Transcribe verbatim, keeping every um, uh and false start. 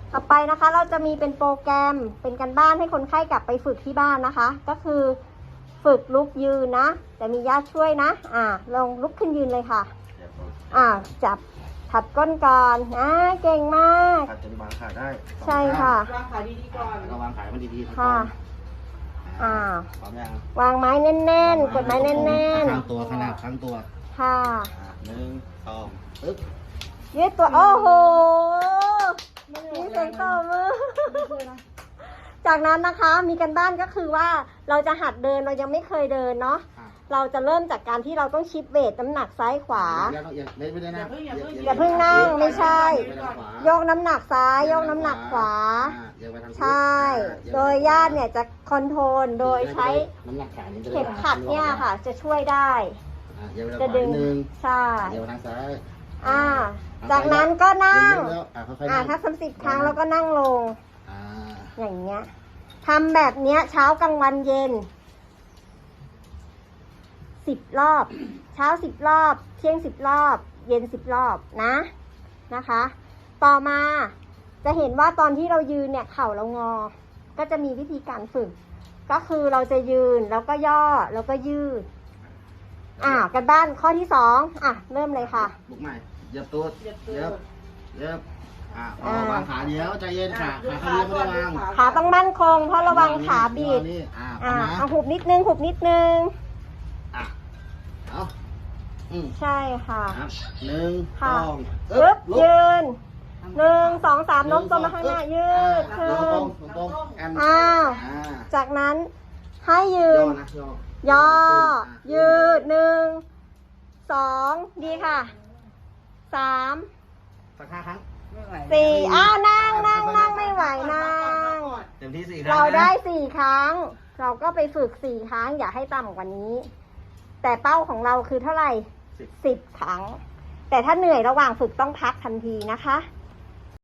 ต่อไปนะคะเราจะมีเป็นโปรแกรมเป็นการบ้านให้คนไข้กลับไปฝึกที่บ้านนะคะก็คือฝึกลุกยืนนะแต่มีญาติช่วยนะอ่าลงลุกขึ้นยืนเลยค่ะอ่าจับถัดก้นก่อนอ่าเก่งมากถัดจนวางขาได้ใช่ค่ะวางขาดีๆก่อนแล้ววางขามันดีๆค่ะอ่าพร้อมยังวางไม้แน่นๆกดไม้แน่นๆข้างตัวขนาดข้างตัวค่ะหนึ่งสองปึ๊บยืดตัวโอ้โหมีเสียงตบมือจากนั้นนะคะมีกันบ้านก็คือว่าเราจะหัดเดินเรายังไม่เคยเดินเนาะเราจะเริ่มจากการที่เราต้องชิปเวทน้ำหนักซ้ายขวาอย่าเพิ่งนั่งไม่ใช่ยกน้ำหนักซ้ายยกน้ำหนักขวาใช่โดยญาติเนี่ยจะคอนโทรลโดยใช้เข็มขัดเนี่ยค่ะจะช่วยได้จะดึงใช่อ่าจากนั้นก็นั่งอ่าถ้าสามสิบครั้งแล้วก็นั่งลงอย่างเงี้ยทำแบบเนี้ยเช้ากลางวันเย็นสิบรอบเช้าสิบรอบเที่ยงสิบรอบเย็นสิบรอบนะนะคะต่อมาจะเห็นว่าตอนที่เรายืนเนี่ยเข่าเรางอก็จะมีวิธีการฝึกก็คือเราจะยืนแล้วก็ย่อแล้วก็ยืดอ่ากันบ้านข้อที่สองอ่ะเริ่มเลยค่ะลุกใหม่เย็บตัวเย็บเย็บอ่า วางขาเดียวใจเย็นขาขาเขาเรียกไม่วางขาต้องมั่นคงเพราะระวังขาบิดอ่าเอาหุบนิดนึงหุบนิดนึงอ่ะเอาใช่ค่ะหนึ่งสองปึ๊บยืนหนึ่งสองสามโน้มตัวมาข้างหน้ายืดขึ้นอ้าวจากนั้นให้ยืนย่อยืดหนึ่งสองดีค่ะสามสักห้าครั้งสี่อ้าวนั่งนั่งนั่งไม่ไหวนั่งเต็มที่สี่เราได้สี่ครั้งเราก็ไปฝึกสี่ครั้งอย่าให้ต่ำกว่านี้แต่เป้าของเราคือเท่าไหร่สิบครั้งแต่ถ้าเหนื่อยระหว่างฝึกต้องพักทันทีนะคะ